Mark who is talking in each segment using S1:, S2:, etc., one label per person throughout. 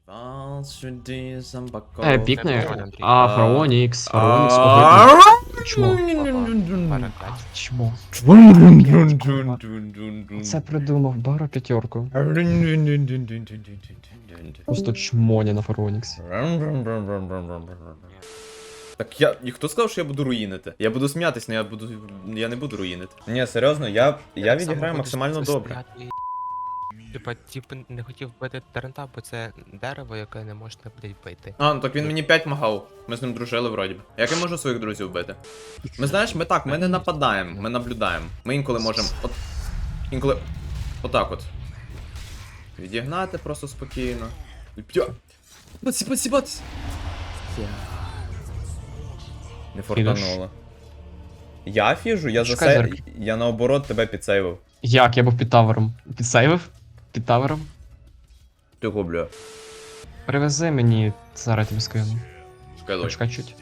S1: Пікне. Фаронікс, ого. Чмо. Чмо. Це придумав, Баро п'ятерку. Просто чмоня на Фаронікс.
S2: Так і хто сказав, що я буду руїнити? Я буду сміятись, але я не буду руїнити. Ні, серйозно, я відіграю максимально добре.
S3: Типа, не хотів бити Тарента, бо це дерево, яке не можна, блядь, бити.
S2: Ну так він мені 5 махав. Ми з ним дружили вроді б. Як я можу своїх друзів бити? Ми знаєш, ми не нападаємо, ми наблюдаємо. Ми інколи можемо. Інколи. Отак от. Відігнати просто спокійно. Сіпать. Не фортануло. Я фіжу, я наоборот тебе підсейвив.
S1: Як? Я був під тавером. Підсейвив? Під тавером?
S2: Ти губля.
S1: Привези мені, зараз тобі скину.
S2: Скайлой.
S1: Почекай чуть.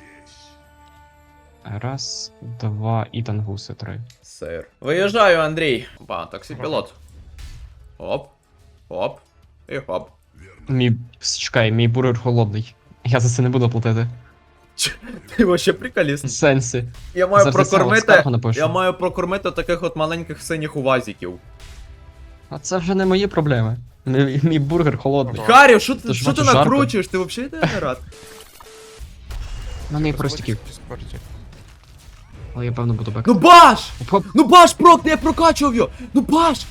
S1: Раз, два і тангуси, три.
S2: Сир. Виїжджаю, Андрій. Опа, таксі-пілот. Оп. Оп. І хоп.
S1: Чекай, мій бургер холодний. Я за це не буду платити.
S2: Ти вообще приколіст.
S1: В сенсі.
S2: Я маю
S1: Завжди
S2: прокормити.
S1: скаргу напишу.
S2: Я маю прокормити таких от маленьких синіх увазиків.
S1: А це вже не мої проблеми. Мій бургер холодний.
S2: Харі, що ти
S1: бачу, жарко.
S2: накручуєш? Ти взагалі не рад?
S1: На неї простіків. Але я певно буду бек.
S2: Ну баш!
S1: Оп.
S2: Ну баш, прокни, я прокачував його! Ну баш!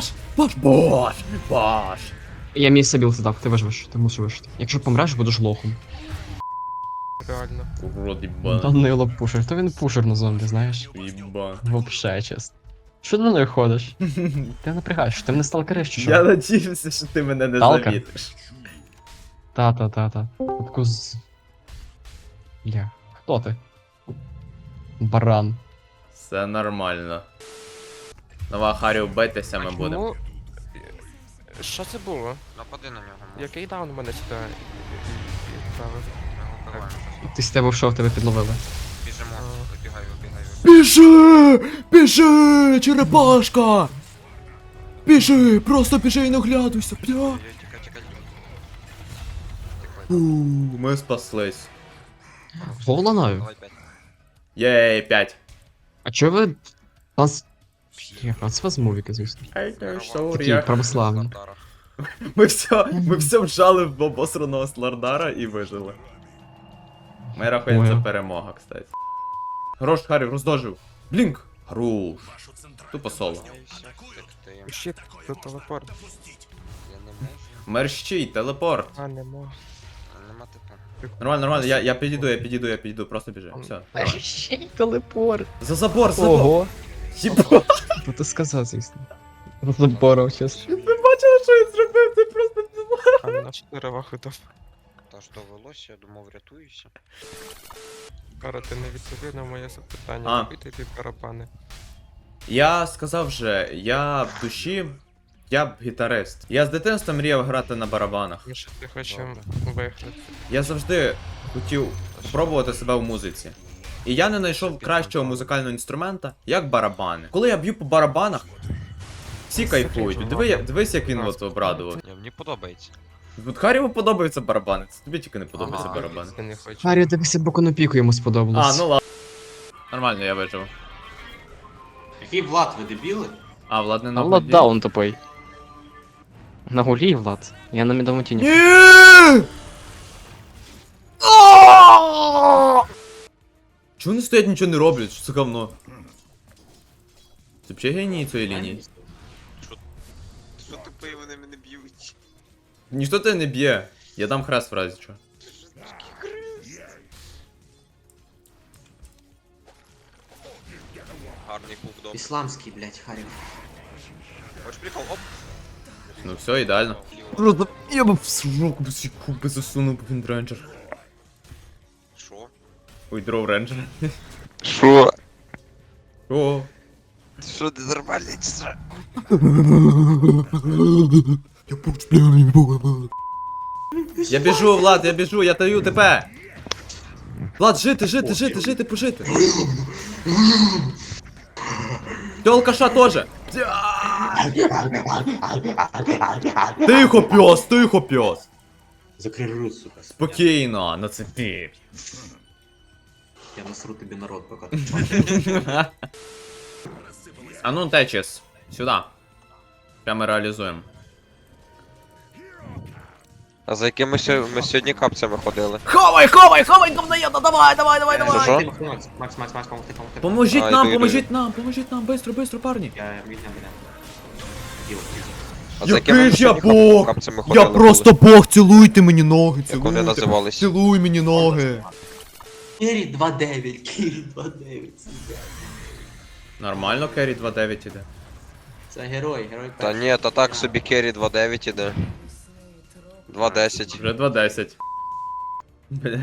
S1: Я мій сабіл задав, ти виживеш, ти мусиш вижити. Якщо помреш, будеш лохом.
S3: Реально.
S2: Урод, їба.
S1: Данило пушер, то він пушер на зомбі, знаєш.
S2: Їба.
S1: Вообще, чесно. Що ти на нею ходиш? Ти напрягаєш, ти мене сталкериш чи що?
S2: Я надіюся, що ти мене не
S1: Талка?
S2: завітиш.
S1: Та. Таку з... Я. Хто ти? Баран.
S2: Все нормально. Нова Харі, битися ми будемо.
S3: Чому? Що це було?
S4: Напади на нього.
S3: Який даун у мене сюди відправив?
S1: Ти з тебе в тебе підловили.
S4: Біжимо, вибігай.
S2: Біжи, черепашка! Біжи, просто біжи і не оглядуйся, бля.
S4: Тікай.
S2: Ми спаслись.
S1: Голанаю.
S4: Давай 5.
S2: Єй, 5.
S1: А чого ви... Нас... Це вас мувіки, звісно. Такі православні.
S2: Ми все вжали в обосраного Слардара і вижили. Ми рахуємо, це
S1: Понял.
S2: перемога, кстати. Хорош, Харі, роздожив. Блінк! Хорош. Тупо соло.
S3: Щит, тут телепорт.
S4: Я не можу.
S2: Мерщій, телепорт.
S3: А, не можу.
S4: Нема типу.
S2: Нормально, я підійду, просто біжи. Все. давай.
S1: Ще й телепорт.
S2: За забор!
S1: Ого.
S2: Єба.
S1: Ну ти сказав, звісно. Заборов, чесно.
S2: Ви бачили, що я зробив? Це просто...
S3: А на 4 виходов.
S4: Та ж довелося, я думав, рятуюся.
S3: Кара, ти не відповів на моє запитання.
S2: А.
S3: Купити ті барабани.
S2: Я сказав же, я в душі, я б гітарист. Я з дитинства мріяв грати на барабанах.
S3: Ми ще ти хочемо виграти.
S2: Я завжди хотів спробувати себе в музиці. І я не знайшов кращого музикального інструмента, як барабани. Коли я б'ю по барабанах, всі кайфують. Дивись, як він от обрадував.
S4: Ні, мені подобається.
S2: От Харіву подобаються барабани, це тобі тільки не подобаються
S4: Ага.
S2: барабани.
S3: Я не хочу.
S1: Харі, дивися, боку на піку йому сподобалось.
S2: А, ну ладно. Нормально, я вижив.
S5: Який Влад, ви дебіли?
S2: А, Влад не на
S1: Влад
S2: воді.
S1: даун тупий. На гулі, Влад. Я на мідому тіні.
S2: Ні! Чого вони стоять, нічого не роблять? Що це говно? Це взагалі генії цієї лінії.
S4: Що тупий, вони мене б'ють?
S2: Ніхто тебе не б'є. Я дам хрест в разі чого.
S4: Гарний кук, добре.
S5: Ісламський, блядь, Харів.
S4: Хочеш прикол? Оп!
S2: Ну все, ідеально.
S4: Ліво.
S2: Просто я б в руку без куби засунув, бо він рейнджер.
S4: Що?
S2: Ой, дров рейнджер.
S4: Що?
S2: О.
S4: Що, ти нормальний чи що?
S2: Я біжу, Влад, я біжу, я даю тебе. Влад, жити, пожити. Ти алкаша теж. Тихо, пес.
S5: Закрий рот, сука.
S2: Спокійно, на це ти.
S5: Я насру тобі на рот, поки ти чмакаєш.
S2: А ну, Течіс, сюди. Прямо реалізуємо.
S6: А за якими ми сьогодні капцями ходили?
S2: Ховай, говноєда, давай!
S6: Що?
S5: Макс, помогти.
S2: Поможіть
S6: А,
S2: нам,
S6: йду,
S2: поможіть нам, бистро, парні.
S5: Я відня.
S6: А за якими ми
S2: Який ж я
S6: сьогодні
S2: бог!
S6: капцями ходили?
S2: Я просто бог, цілуйте мені ноги,
S6: Як вони називались?
S2: Цілуй мені ноги.
S5: Керрі 2-9, Керрі 2-9, сука.
S2: Нормально, Керрі 2-9 іде.
S5: Це герой
S6: Та
S5: перший.
S6: ні, та так собі Керрі 2.9 іде. 2.10.
S2: Вже 2-10. Бля,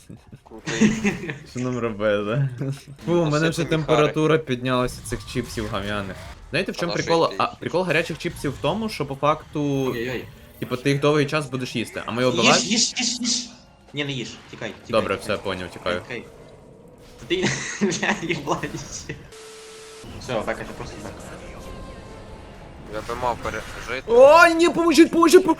S2: що нам робити? Фу, у мене вже
S6: Насипані
S2: температура піднялася цих чіпсів гам'яних. Знаєте, в чому
S6: А на
S2: прикол?
S6: що йти?
S2: Прикол гарячих чіпсів в тому, що по факту,
S5: Ой-ой-ой.
S2: типу, ти їх довгий час будеш їсти, а ми його
S5: Їж,
S2: обиваємо.
S5: їж. Ні, не їж, тікай.
S2: Добре, все, поняв, тікаю.
S5: Тікай. Ти, бля, їбланіще. Все, так, це просто так.
S6: Я би мав пережити.
S2: Ой, ні, поможіть!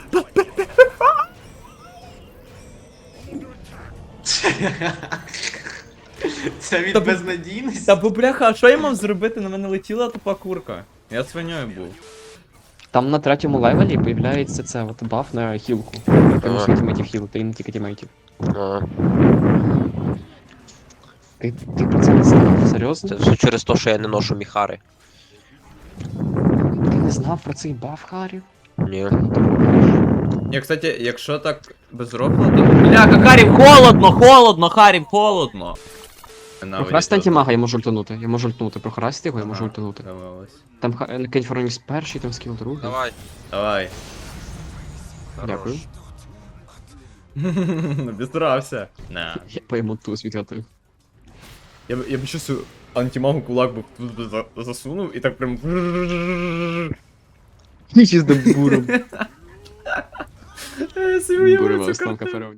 S5: Це від
S2: Та бу-
S5: безнадійності.
S2: Та бо бляха, а що я мав зробити? На мене летіла тупа курка. Я свиньою був.
S1: Там на третьому левелі появляється це от баф на хілку. Ти можеш
S6: Ага.
S1: тімейтів хілити, і не тільки тімейтів.
S6: А,
S1: Ти про це не знав? Серйозно?
S6: це все через те, що я не ношу міхари.
S1: Ти не знав про цей баф, Харі?
S6: Ні.
S2: Я, кстати, якщо так без рофла, то... Бляха, Харів, холодно, Харів, холодно!
S1: Прохрасти антимага, я можу ультанути. Я можу ультанути. Прохрасти його, я можу ультанути.
S2: Давалось.
S1: Там Кейн Форонікс перший, там скіл другий.
S6: Давай.
S2: Давай.
S1: Дякую.
S2: Обістрався. На.
S1: Я пойму туз відгадую.
S2: Я б щось антимагу кулак би тут би засунув і так прям...
S1: Нічі з буром.
S2: Я собі уявив
S1: Бурова
S2: цю
S1: останка
S2: картину.
S1: феров.